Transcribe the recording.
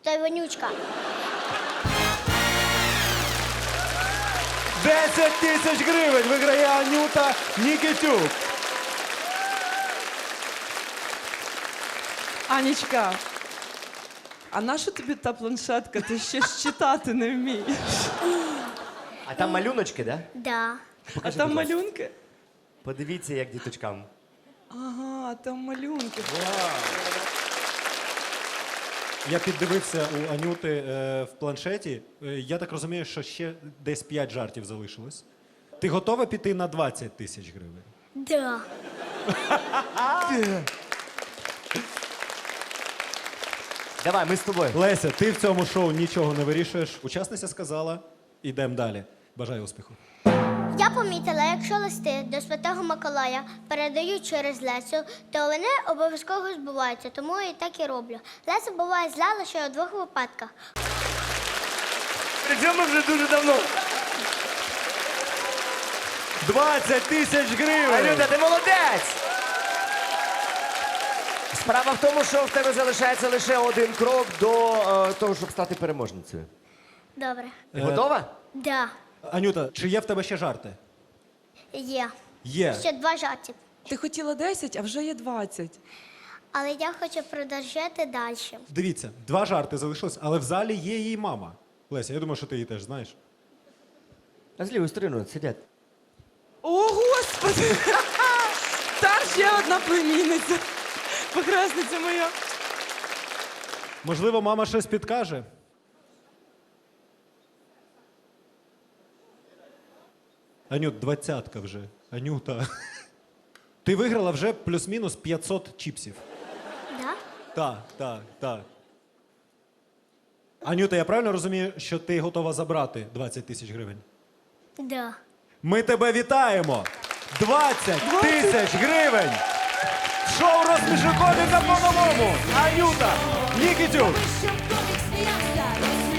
той вонючка. 10 тисяч гривень виграє Анюта Нікітюк. Анічка, а нащо тобі та планшетка? Ти ще ж читати не вмієш. А там малюночки, да? Да. А там малюнки? Подивіться, як діточкам. Ага, там малюнки. Я піддивився у Анюти в планшеті. Я так розумію, що ще десь 5 жартів залишилось. Ти готова піти на 20 тисяч гривень? Да. Давай, ми з тобою. Леся, ти в цьому шоу нічого не вирішуєш. Учасниця сказала, ідемо далі. Бажаю успіху. Я помітила, якщо листи до Святого Миколая передають через Лесю, то вони обов'язково збуваються, тому я і так і роблю. Леся буває зла лише у 2 випадках. Причому вже дуже давно. 20 тисяч гривень! Анюта, ти молодець! Справа в тому, що в тебе залишається лише один крок до того, щоб стати переможницею. Добре. Ти готова? Да. Анюта, чи є в тебе ще жарти? Є. Є. Ще 2 жарти. Ти хотіла 10, а вже є 20. Але я хочу продовжити далі. Дивіться, 2 жарти залишилось, але в залі є її мама. Леся, я думаю, що ти її теж знаєш. А з лівої сторони сидять. О, Господи! Та ще одна племінниця. Похресниця моя. Можливо, мама щось підкаже? Анют, 20-ка вже. Анюта. Ти виграла вже плюс-мінус 500 чіпсів. Да? Так. Анюта, я правильно розумію, що ти готова забрати 20 тисяч гривень? Да. Ми тебе вітаємо! 20 тисяч гривень! Шоу «Розсміши коміка по-новому» Анюта Нікітюк! Щоб комік сміявся,